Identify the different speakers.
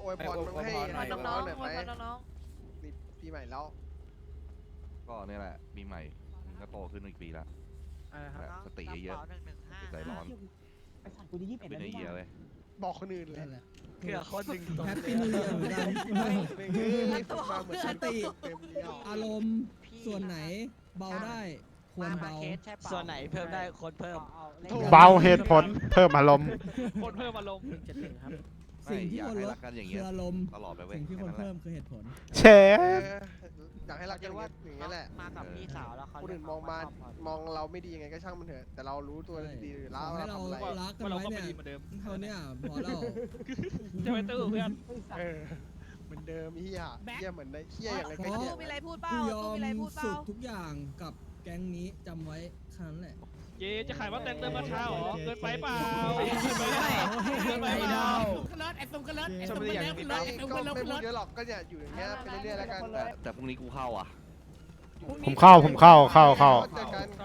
Speaker 1: วยพรมึงให้
Speaker 2: น้
Speaker 1: น้
Speaker 2: อ
Speaker 1: อง
Speaker 2: ง
Speaker 1: ๆหน่อย
Speaker 2: ๆ
Speaker 1: ไหม
Speaker 2: น้อง
Speaker 1: นี่ปีใหม่แล้ว
Speaker 3: ก็เนี่ยแหละปีใหม่มึงก็โตขึ้นอีกปีละแบบสติเยอะๆใจร้อน
Speaker 4: ไอ้สัตว์กูจะ21
Speaker 3: เป็น
Speaker 4: แล้ว
Speaker 3: ไอ
Speaker 4: นี่
Speaker 3: เยีย
Speaker 4: หว่า
Speaker 3: เลย
Speaker 1: บอกคนอื่นเลย
Speaker 5: นั่นแหละ
Speaker 6: เกือคนหนึ่งตรง
Speaker 5: แฮปปี้นิวเยียร์เหมือนกัน
Speaker 1: ไม่ฝึกมาเหมือนสติเต็มเดียว
Speaker 5: อารมณ์ส่วนไหนเบาได้ควรเบา
Speaker 6: ส่วนไหนเพิ่มได้คนเพิ่ม
Speaker 7: เบาเหตุผลเพิ่มอารมณ์
Speaker 6: คนเพิ่มอารมณ์
Speaker 4: 171ครับ
Speaker 5: สิ่งที่
Speaker 3: อยา
Speaker 5: ค
Speaker 3: ก
Speaker 5: วร
Speaker 3: ให้
Speaker 5: ล
Speaker 3: รั
Speaker 5: ด
Speaker 3: กกันอย่าง
Speaker 5: คื
Speaker 3: เงี้ย
Speaker 5: ออารมณ์
Speaker 3: ตลอดไปเว้ย
Speaker 5: สิ่งที่ควร
Speaker 3: แค่นั้นแห
Speaker 5: เพิ่
Speaker 3: ละ
Speaker 5: มคือเหตุผล
Speaker 7: เช
Speaker 1: เอ
Speaker 7: ฟ
Speaker 1: อยากให้รักกันอย่างนี้แหละ
Speaker 6: มากับพี่สาวแล้วเขา
Speaker 1: คนอื่นมองเราไม่ดียังไงก็ช่างมันเถอะ แต่เรารู้ตัวดีอยู่แล้ว
Speaker 5: ขอให้
Speaker 1: เรา
Speaker 5: เรา
Speaker 1: ทำอะไร
Speaker 5: รักกันไว้เนี่ยเท่าเนี้ยพอแล้ว
Speaker 6: จะไปตู้เพื่อน
Speaker 1: เหมือนเดิมเฮียเหมือนได้เฮียอย่างไร
Speaker 5: เพ
Speaker 1: ก็
Speaker 5: ราะ
Speaker 1: เฮีย
Speaker 2: ๆมีอะไรพูดเปล่า
Speaker 5: กูยอ
Speaker 2: มี
Speaker 5: ม
Speaker 2: อะไรพูดเป
Speaker 5: สุ
Speaker 2: ล่า
Speaker 5: ดทุกอย่างกับแก๊งนี้จำไว้แค่นั้นแหละ
Speaker 6: เจ๊จะขายว่าแต่งเติมราคาหรอเกินไปเปล่า
Speaker 5: ไม่ได้
Speaker 1: ก็ไม่พูดเยอะหรอกก็เนี่ยอยู่อย่างเงี้ยไปเรื่อยๆแล้วกัน
Speaker 3: แต่พรุ่งนี้กูเข้าอ่ะ
Speaker 7: ผมเข้า
Speaker 1: เจอกัน